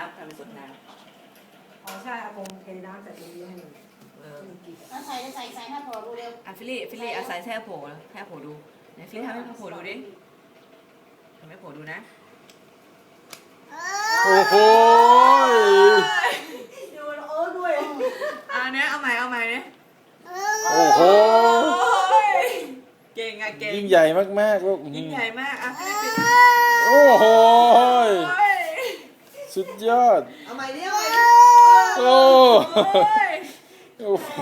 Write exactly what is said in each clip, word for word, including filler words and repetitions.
ำทำเป็นสดน้ำอ๋อใช่อากงเทน้ำใส่ตรงนี้ให้หนูเออเอาใส่ใส่ใส่ให้พอดูเร็วอ่ะฟิลลี่ฟิลลี่อาศัยแช่โผล่แช่โผล่ดูไหนฟิลลี่ทำให้โผล่ดูดิทำให้โผล่ดูนะโอ้โหดูเออด้วยอ่ะเนี้ยเอาใหม่เอาใหม่เนี้ยโอ้โหเก่งอ่ะเก่งยิ่งใหญ่มากๆลูกยิ่งใหญ่มากอ่ะฟิลลี่โอ้โหโอ้ยสุดยอดเอาใหม่ดิเอาใหม่ดิโอ้โอ้ยโอ้โห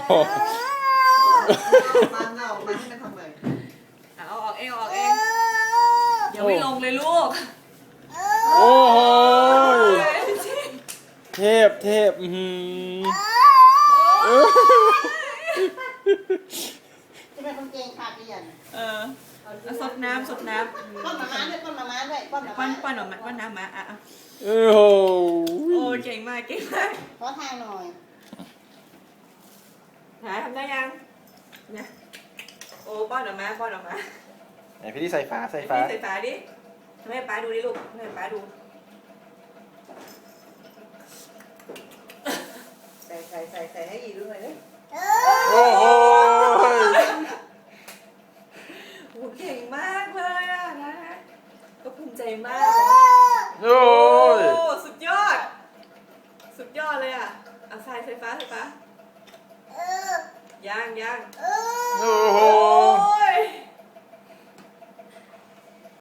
มันเอามาให้มันทำใหม่อ่ะเอาออกเองเอาออกเองยังไม่ลงเลยลูกโอ้โหเทพเทพอือหือเออจะเป็นคนเก่งขาดเรียนเออเอาสดน้ำสดน้ำป้อนหมาม้าด้วยป้อนหมาม้าด้วยป้อนหมาปั้ม้านปั้นออกมาปั้นน้ำมาอ่ะอ่ะโอ้โหโอ้เก่งมากเก่งมากขอทางหน่อยหาทำได้ยังเนี่ยโอ้ป้อนออกมาป้อนออกมาไหนพี่ที่ใส่ฝาใส่ฝาใส่ฝาดิทำให้ป้าดูดิลูกทำให้ป้าดูใส่ใส่ใส่ใส่ให้อีกด้วยเลยโอ้โหโอ้เก่งมากเลยอ่ะนะก็ภูมิใจมากโอ้ยโอ้สุดยอด สุดยอดเลยอ่ะเอาใส่ไฟฟ้าไฟฟ้าย่างย่างโอ้โหโอ้